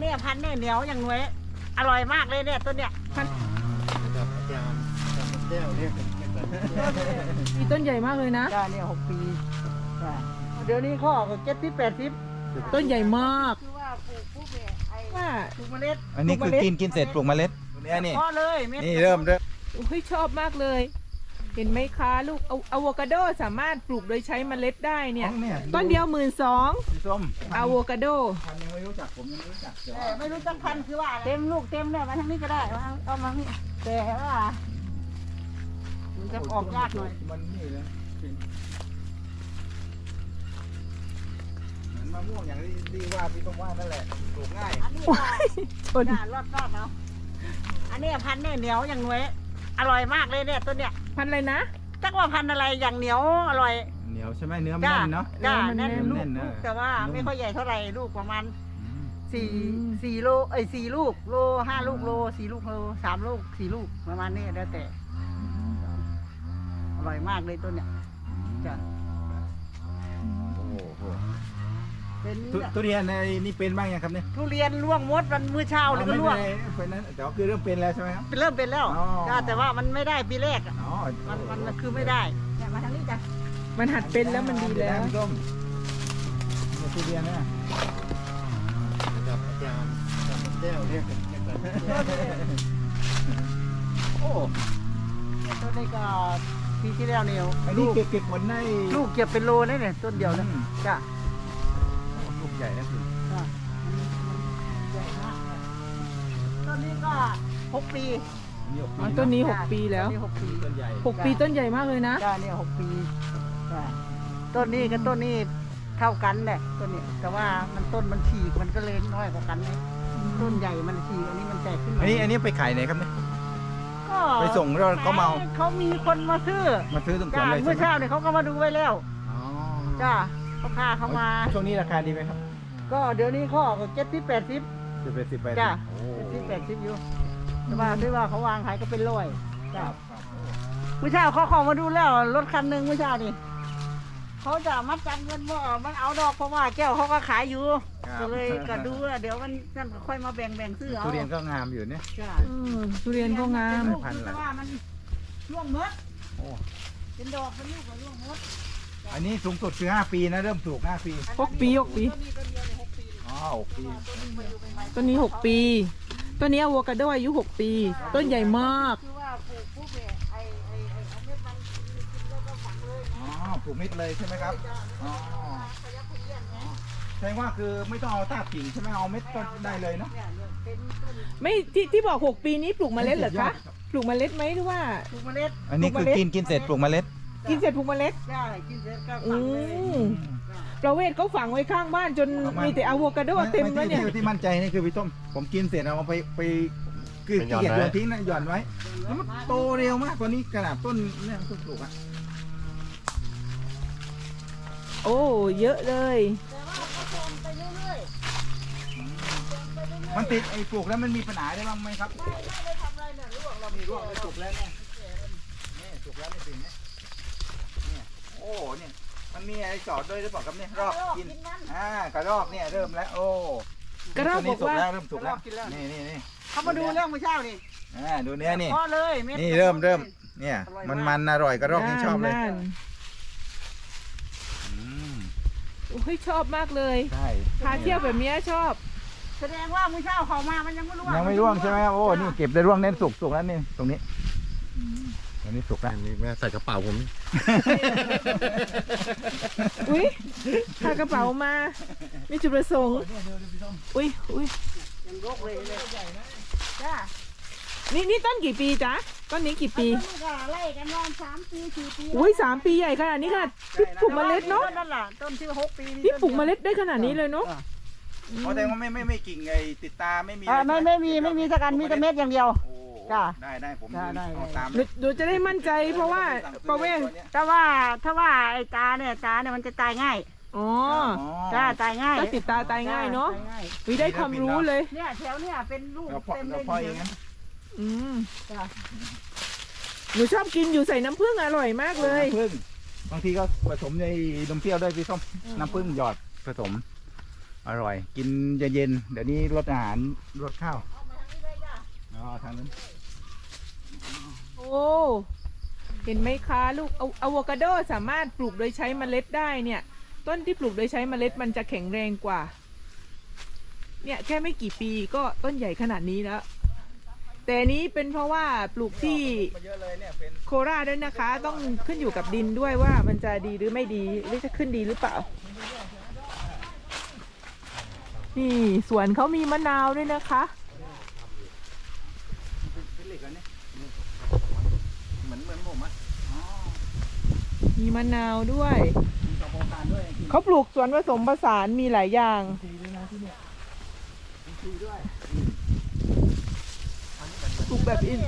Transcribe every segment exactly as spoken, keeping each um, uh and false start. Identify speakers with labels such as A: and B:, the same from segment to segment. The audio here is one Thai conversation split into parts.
A: เนี่ยพันเนี่ยเหนียวอย่างหน่วยอร่อยมากเลยเนี่ยต้นเนี่ยพัน
B: กับอาจารย์กับแก้วเรียกกัน
C: มีต้นใหญ่มากเลยนะ
A: จ้าเนี่ยหกปีจ้าเดี๋ยวนี้เขาออกเจ็ดสิบแปดสิบ
C: ต้นใหญ่มาก
A: คือว่าปลูกปุ๊บเนี่ยไอ้
C: ว่า
A: ปลูกเมล็ด
B: อันนี้คือกินกินเสร็จปลูกเมล็ดเนี่ยนี่
A: พอเลยเม็ด
B: นี่เริ่มเริ่ม
C: เฮ้ยชอบมากเลย เห็นไหมคะลูกอะอะโวคาโดสามารถปลูกโดยใช้เมล็ดได้เนี่ย ต้นเดียวหมื่นสอง
B: สีส้ม
C: อะโวคาโด
B: พันยังไม่รู้จักผมยังไม่รู้จักเดี๋ยว
A: แต่ไม่รู้จักพันธุ์คือว่าเต็มลูกเต็มเนี่ยมาทางนี้ก็ได้มาเอามานี่แต่ว่ามันจะออกยากหน่อย
B: มันนี่เลยเหมือนมะม่วงอย่างที่ที่ว่าพี่ต้องว่านั่นแหละปลูกง่าย
A: อันนี้ก็จ้ารอดรอดเอาอันนี้พันธุ์เนี่ยเหนียวอย่างหน่วยอร่อยมากเลยเนี่ยต้นเนี่ย
C: พันอะไรนะ
A: จักว่าพันธุ์อะไรอย่างเหนียวอร่อย
B: เหนียวใช่ไหมเนื้อมัน
A: จ้า
B: แน่นเนาะ
A: จ้า
C: เนื้อมัน
A: แน่น
C: แน่น
A: ลูก
B: แน่นเนอะ
A: ลูกแต่ว่า
B: นุ่ม
A: ไม่ค่อยใหญ่เท่าไหร่ลูกประมาณ
B: อืม
A: สี่สี่โลเอ้ยสี่ลูกโลห้าลูกโลสี่ลูกโลสามลูกสี่ลูกประมาณนี้แล้วแต่อร่อยมากเลยต้นเนี่ยจ้ะ
B: โอ้โห
A: เป็น
B: ทุทุเรียนในนี่เป็นบ้างยังครับเนี่ย
A: ทุเรียนล่วงมดวันมื้อเช้าเลยก็
B: ไม่
A: ล่วง
B: เป็นไรเป็นนั้นแต่ว่าคือเริ่มเป็นแล้วใช่ไหมครับ
A: เป็นเริ่มเป็นแล้ว
B: อ๋อ
A: จ้ะแต่ว่ามันไม่ได้ปีแรกอะ
B: อ๋อ
A: มันมันคือไม่ได้เนี่ยมาทางนี้จ้ะ
C: มันหัดเป็นแล้วมันดีแล้ว
B: พี่ส้มเนี่ยทุเรียนนะกับอาจารย์กับแก้วเรียกกัน โอ้
A: เนี่ยต้นนี้ก็ปีที่แล้วเนี่ย
B: อัน
A: ลู
B: นี้
A: ก
B: เก็บเก็บผลได้
A: ลูกเก็บเป็นโลนี่เนี่ยต้นเดียวนะ
B: อืม
A: จ้ะ
B: ลูกใหญ่นะคุณ
A: จ้ะมันมันใหญ่มากเลยต้นนี้ก็หกปี
C: อ๋อต้นนี้หกปีแล้ว
A: ต้นนี้หกปี
B: ต้นใหญ่
C: หกปีต้นใหญ่มากเลยนะ
A: จ้าเนี่ยหกปีจ้าต้นนี้กับต้นนี้เท่ากันแหละต้นนี้แต่ว่ามันต้นมันฉีกมันก็เลยน้อยกว่ากันนี่ต้นใหญ่มันฉีกอันนี้มันแตกขึ้นมา
B: อันนี้อันนี้ไปขายไหนครับเนี่ย
A: ก็
B: ไปส่งแล้วเขาเมา
A: เขามีคนมาซื้อ
B: มาซื้อตรงสว
A: จ้าน
B: เลย
A: เมื่อ
B: ใช่ไหม
A: เช้าเนี่ยเขาก็มาดูไว้แล้ว
B: อ๋อ
A: จ้าเขาพาเขามา
B: ช่วงนี้ราคาดีไหมครับ
A: ก็เดี๋ยวนี้เขาออกเจ็ดสิบแปดสิบ
B: จะเป็นสิบแปด
A: จ้า
B: โอ้
A: เจ็ดสิบแปดสิบอยู่แต่ว่าที่ว่าเขาวางขายก็เป็นร้อย
B: ค
A: จ้า
B: รับครับโอ้
A: เมื่อเช้าเขาเข้ามาดูแล้วรถคันหนึ่งเมื่อเช้านี่เขาจะมัดจำเงินว่ามันเอาดอกเพราะว่าแก้วเขาก็ขายอยู่
B: ครับ
A: ก็เลยก็ดูว่าเดี๋ยวมันนั่นก็ค่อยมาแบ่งแบ่งซื้อเอา
B: ทุเรียนก็งามอยู่เนี่ย
A: จ้ะ
C: อืมทุเรียนก็งาม
A: เป็นลูกคือแต่ว่ามันร่วงมด
B: โอ้
A: เป็นดอกเป็นลูกก็ร่วงมด
B: อันนี้สูงสุดคือห้าปีนะเริ่มปลูกห้าปี
C: หกปีหกปี
A: ต้นนี้ต้นเดียวเลยหกปี
B: อ๋อหกปี
A: ต้นนี้มาอยู่ใหม่ๆ
C: ต้นนี้หกปี ต้นนี้อะโวคาโดอายุหกปี ต้นใหญ่มาก
A: คือว่าปลูกปุ๊บเนี่ยไอ้ไอ้ไอ้เอาเม็ดมันกินแล้วก็ฝังเลย
B: อ๋อปลูกมิดเลยใช่ไหมครับอ๋อ
A: ขยับขยื่นไง
B: แสดงว่าคือไม่ต้องเอาตากกิ่งใช่ไหมเอาเม็ดต้นได้เลยเนาะ
A: เนี่ยเนี่ยเป็นต้น
C: ไม่ที่ที่บอกหกปีนี้ปลูกเมล็ดเหรอคะ ปลูกเมล็ดไหมหรือว่า
A: ปลูกเมล็ด
B: อันนี้คือกินกินเสร็จปลูกเมล็ด
C: กินเสร็จปลูกเมล็ด
A: ใช่กินเสร็จก็
C: อื
A: ฝังเลย
C: มประเวศเขาฝังไว้ข้างบ้านจนมีแต่อะโวคาโดเต็มแล้วเนี่ย
B: ที่ที่มั่นใจนี่คือพี่ต้มผมกินเสร็จเอาไปไปคือเกลียดโยนทิ้งนะหย่อนไว้แล้วมันโตเร็วมากกว่านี้ขนาดต้นเนี่ยต้นปลูกอ่ะ
C: โอ้เยอะเลย
A: แต่ว่าเขาโตไปเรื่อยๆไปเรื่อยๆ
B: มันติดไอ้ปลูกแล้วมันมีปัญหาได้บ้างไหมครับ
A: ไม่ไม่ได้ทำอะไรเนี่ยลวกเรา
B: มีร่วงไปปลูกแล้วเนี่ยนี่ปลูกแล้วไม่ถึงเนี่ยเนี่ยโอ้เนี่ยมันมีอะไรจอดด้วยหรือเปล่าครับเนี่ยรอบกินอ่ากระรอกเนี่ยเริ่มแล้วโอ้
C: กระรอกบอกว่า
B: เริ่มสุกแล้วเริ่มสุกแล้วนี่นี่นี่
A: เขามาดูเรื่องเมื่อเช้านี่
B: อ่าดูเนื้อนี่
A: พอเลยม็ด
B: นี่เริ่มเริ่มเนี่ยมันมันอร่อยกระรอกยังชอบเลย
C: นั่น
B: อืม
C: โอ้ยชอบมากเลย
B: ใช่
C: พาเที่ยวแบบเนี้ยชอบ
A: แสดงว่าเมื่อเช้าเขามามันยังไม่รู้
B: ยังไม่ร่วงใช่ไหมโอ้นี่เก็บได้ร่วงเน้นสุกสุกแล้วนี่ตรงนี้ตรงนี้สุกแล้ว
D: อันนี้แม่ใส่กระเป๋าผม
C: อุ้ยพากระเป๋ามา มีจุดประสงค์ อุ้ยอุ้ย
A: ยังรกเลยเลยจ้า
C: นี่นี่ต้นกี่ปีจ๊ะ ต้นนี้กี่ปี
A: ต้นก็ไล่กันนอนสามปีสี่ปี
C: อุ้ยสามปีใหญ่ขนาดนี้ค่ะพี่ปลูกเมล็ดเนาะ
A: นั่นแหละต้นที่หกปี
C: พี่ปลูกเมล็ดได้ขนาดนี้เลยเนาะ
B: เพราะแต่ว่าไม่ไม่ไม่กิ่งไอ้ติดตาไม่มี
A: อ่าไม่ไม่มีไม่มีสักอันมีแต่เม็ดอย่างเดียว
B: โอ้
A: จ้ะ
B: ได้ได้ผม
A: ได้ได้
B: เอาตาม
C: หนูหนูจะได้มั่นใจเพราะว่าประเวศ
A: แต่ว่าถ้าว่าไอ้ตาเนี่ยตาเนี่ยมันจะตายง่าย
C: อ๋อ
A: จ้าตายง่าย
C: ถ้าติดตาตายง่ายเนาะ
A: ตง่ย
C: วิได้ความรู้เลย
A: เนี่ยแถวเนี่ยเป็นลูก
B: เราเพาะ
A: เต็มเล
B: เรา
A: ย
B: เพาะอย่างนั้น
C: อืม
A: จ้ะ
C: หนูชอบกินอยู่ใส่น้ำผึ้งอร่อยมากเลย
B: น้ำผึ้งบางทีก็ผสมในนมเปรี้ยวด้วยพี่ส้มน้ำผึ้งหยอดผสมอร่อยกินเย็นๆเดี๋ยวนี้รสอาหารรสข้าวอ๋อทางนั้น
C: โอ้เห็นไหมคะลูกอะอะโวคาโดสามารถปลูกโดยใช้เมล็ดได้เนี่ย ต้นที่ปลูกโดยใช้เมล็ดมันจะแข็งแรงกว่าเนี่ยแค่ไม่กี่ปีก็ต้นใหญ่ขนาดนี้แล้วแต่อันนี้เป็นเพราะว่าปลูกที่
B: มาเยอะเลยเนี่ยเป็น
C: โคราชด้วยนะคะ ต้องขึ้นอยู่กับดินด้วยว่ามันจะดีหรือไม่ดีหรือจะขึ้นดีหรือเปล่านี่สวนเขามีมะนาวด้วยนะคะ
B: เป็นเหล็กแล้วเนี่ยเหมือนเหมือนผมอ่ะอ๋อ
C: มีมะนาวด้วย
B: มีสองโครงการด้วย
C: เขาปลูกสวนผสมผสานมีหลายอย่าง
B: ทีด้วยนะที่เนี่ยมีทีด้วย
C: ปลูกแบบอิน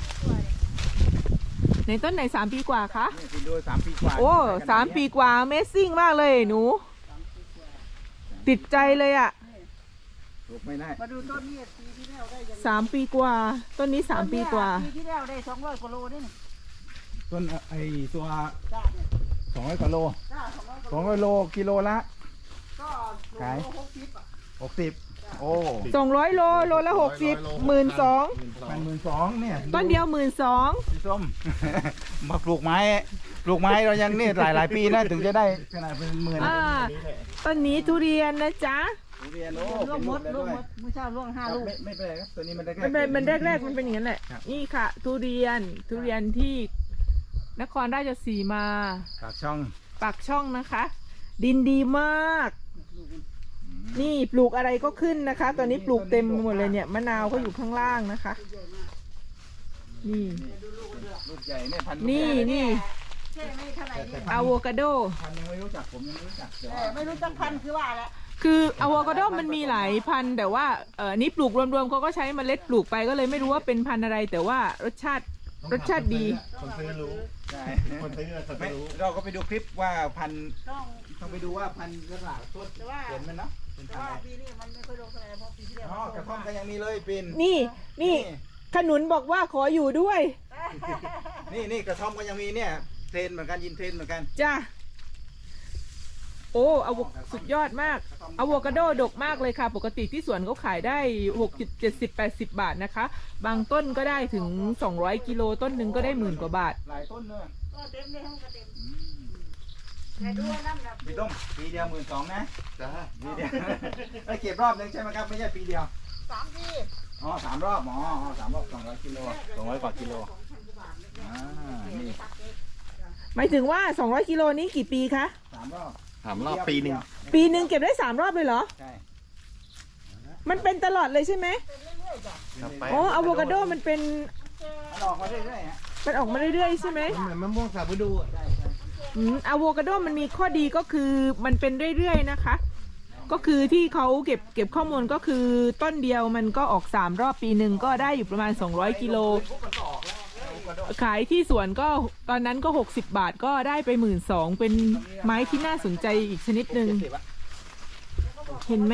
C: ในต้นไหนสามปีกว่าคะ
B: นี่คุณดูสามปีกว่า
C: โอ้สามปีกว่า Amazing มากเลยหนู ติดใจเลยอะ
B: ปลูกไม่ได้
A: มาดูต้นนี้ปีที่แล้วได้ยัง
C: สามปีกว่า ต้นนี้สามปีกว่า
A: ปีที่แล้วได้สองร้อยกว่าโลนี่นี่
B: ต้นไอ้ตัว
A: จ้าเนี่ย
B: สองร้อยกว่าโล
A: จ้าสองร้อยกว่า
B: สองร้อยโลกิโลละ
A: ก็โล
B: ขาย
A: หกสิบอ่ะ
B: หกสิบโอ้
C: สองร้อยโลโลละหกสิบหมื่นสอง
B: พันหมื่นสองเนี่ย
C: ต้นเดียวหมื่นสอง
B: พี่ส้ม มาปลูกไม้ปลูกไม้เรายังนี่หลายหลายปีนะถึงจะได้ขนาดเป็นหมื่น
C: อ่าต้นนี้ทุเรียนนะจ๊ะ
B: ทุเรียนโอ้
A: ล่วงมด
B: เป็น
A: ล่
B: ลู
A: ว
B: ก
A: ง
B: แล้ว
A: ม
B: ด้วย
A: ดเมื่อเช้าล่วงห้า
B: ครับ
A: ลูก
B: ไม่ไม่เป็นไรครับตัวนี้มันได้แค่
C: มันเป็นมันแรกๆมันเป็นอย่างนั้นแหละ
B: ครับ
C: นี่ค่ะ ทุเรียนทุเรียนที่นครราชสีมา
B: ปากช่อง
C: ปากช่องนะคะ ดินดีมาก นี่ปลูกอะไรก็ขึ้นนะคะ ตอนนี้ปลูกเต็มหมดเลยเนี่ยมะนาวก็อยู่ข้างล่างนะคะ นี่
B: ลูกใหญ่เนี่ยพันธุ์
C: นี่
B: ลูกใหญ่
C: นี่
A: แค่ไม่เท่าไหร่นี่
C: อะโวคาโด
B: พันธุ์ยังไม่รู้จักผมยังไม่รู้จักเดี๋ยว
A: เออไม่รู้จักพันธุ์คือว่าแหละ
C: คืออะโวคาโดมันมีหลายพันธุ์แต่ว่าเออนี่ปลูกรวมๆเขาก็ใช้เมล็ดปลูกไปก็เลยไม่รู้ว่าเป็นพันธุ์อะไร แต่ว่ารสชาติรสชาติดี
D: คนซื้อรู้
B: ใช่
D: คนซื้อเขา
B: ไม่
D: จะรู้
B: เราก็ไปดูคลิปว่าพันธุ์
A: ต้อง
B: ต้องไปดูว่าพันธุ์กระหล่ำต้น
A: แต่ว่า
B: เห็นมันเนาะเป็น
A: แต่
B: พัน
A: ว่า
B: ธุ์อะไร
A: ปีนี้มันไม่ค่อยลงเท่าไหร่เพราะปีที่แล้ว
B: อ๋อกระท่อมก็ยังมีเลยปิน
C: นี่นี่ขนุนบอกว่าขออยู่ด้วย
B: นี่นี่กระท่อมก็ยังมีเนี่ยเทรนเหมือนกันยินเทรนเหมือนกัน
C: จ้าโอ้อะโวสุดยอดมากอะโวคาโดดกมากเลยค่ะ ปกติที่สวนเขาขายได้หกสิบ เจ็ดสิบ แปดสิบบาทนะคะ บางต้นก็ได้ถึงสองร้อยกิโลต้นหนึ่งก็ได้หมื่นกว่าบาท
B: หลายต้นเนอะ
A: ก็เต็มเลยห้องก็เต็มแต่ดูว่าน้ำหนัก
B: พี่ต้มปีเดียวหมื่นสองนะ
D: จ้า
B: ปีเดียว ไปเก็บรอบนึงใช่ไหมครับไม่ใช่ปีเดียว
A: สามปี
B: อ๋อสามรอบอ๋ออ๋อสามรอบสองร้อยกิโลสองร้อยกว่ากิโลอ่านี่
C: หมายถึงว่าสองร้อยกิโลนี้กี่ปีคะ
B: สามรอบ
D: ถามรอบปีหนึ่ง
C: ปีหนึ่งเก็บได้สามรอบเลยเหรอ
B: ใช่
C: มันเป็นตลอดเลยใช่ไหม
D: ครับไป
C: อ๋ออะโวคาโดมันเป็น
B: มันออกมาเรื่อยๆฮะ
C: มันออกมาเรื่อยๆใช่ไหม
D: เหมือนมะม่วงสามฤดูอะ
B: ใช่ใช่
C: อืมอะโวคาโดมันมีข้อดีก็คือมันเป็นเรื่อยๆนะคะ ก็คือที่เขาเก็บเก็บข้อมูลก็คือต้นเดียวมันก็ออกสามรอบปีหนึ่งก็ได้อยู่ประมาณสองร้อยกิโล
B: ปุ๊บมันก็ออกแล้วแล้วก็โดด
C: ขายที่สวนก็ตอนนั้นก็หกสิบบาทก็ได้ไปหมื่นสองเป็นไม้ที่น่าสนใจอีกชนิดหนึ่ง
B: เจ็ดสิบอะ
C: เห็นไหม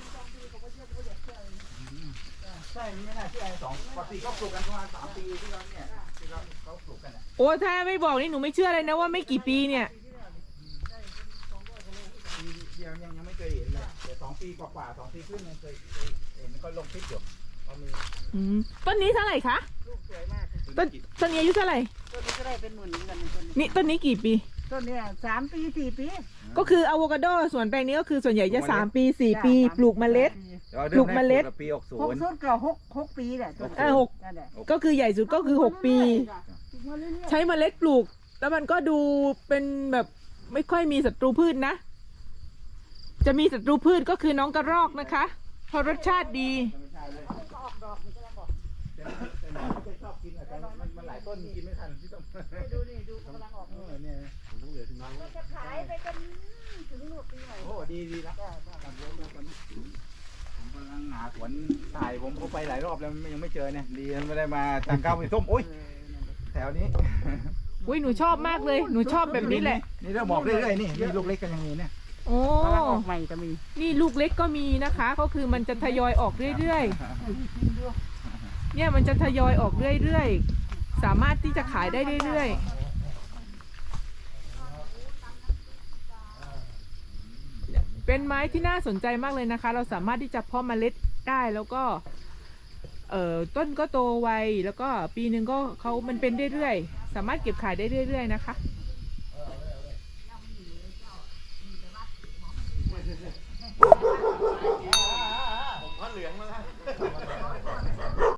B: ใช่ไม่น่าเชื่อสองปกติก็ปลูกกันประมาณสามปีที่เราเนี่ยที่เราเขาปลูกกันอะ
C: โอ้ถ้าไม่บอกนี่หนูไม่เชื่อเลยนะว่าไม่กี่ปีเนี่ย
B: ปีเดียวยังยังไม่เคยเห็นเลยแต่สองปีกว่าๆสองปีครึ่งยังเคยเคยเห็นเขาลงคลิปอยู่เขามี
C: อืมต้นนี้เท่าไหร่คะ
A: ลูกสวยมาก
C: ต้นต้นนี้อายุเท่าไหร่
A: ต้นนี้ก็ได้เป็นหมื่นเหมือนกันต้นนี้
C: นี่ต้นนี้กี่ปี
A: ต้นเนี้สามปีสี่ปี
C: ก็คืออะโวคาโดสวนแปลงนี้ก็คือส่วนใหญ่จะสามปีสี่ปี ปลูกเมล็ด ปลูกเมล็ด
B: ปีหกศู
A: หก
B: นย์
A: สุดก็หกหกปีแหละต้น
C: เออหก
A: นั่นแหละ
C: ก็คือใหญ่สุดก็คือหกปี
A: ปลูกมาเรื่อยๆ
C: ใช้เมล็ดปลูก แล้วมันก็ดูเป็นแบบไม่ค่อยมีศัตรูพืชนะ จะมีศัตรูพืชก็คือน้องกระรอกนะคะเพราะรสชาติดี
A: ออกดอกมันก็แล้วบอก
B: แต่น้องไม่เคยชอบกินอะแต่มันมันหลายต้นกินไม่ทันที่ต้อง
A: ดูนี่ดูกำลังออก
B: เออเนี่ย
A: ก็จะขายไปจนถึงหนวดปีใหม่
B: โอ้ดีดีนะกับรถแล้วกันผมกำลังหาสวนถ่ายผมก็ไปหลายรอบแล้วมันยังไม่เจอเนี่ยดีไม่ได้มาทางเก้าไปส้มโอ้ยแถวนี้
C: อุ้ยหนูชอบมากเลย หนูชอบแบบนี้แหละ
B: นี่เราบอกเรื่อยๆนี่มีลูกเล็กกันยังมีเนี่ย
C: โอ้
A: กำลังออกใหม่จะมี
C: นี่ลูกเล็กก็มีนะคะ ก็คือมันจะทยอยออกเรื่อยๆ เนี่ยมันจะทยอยออกเรื่อยๆ สามารถที่จะขายได้เรื่อยๆเป็นไม้ที่น่าสนใจมากเลยนะคะ เราสามารถที่จะเพาะเมล็ดได้แล้วก็เอ่อต้นก็โตไวแล้วก็ปีหนึ่งก็เขามันเป็นเรื่อยๆสามารถเก็บขายได้เรื่อยๆนะคะ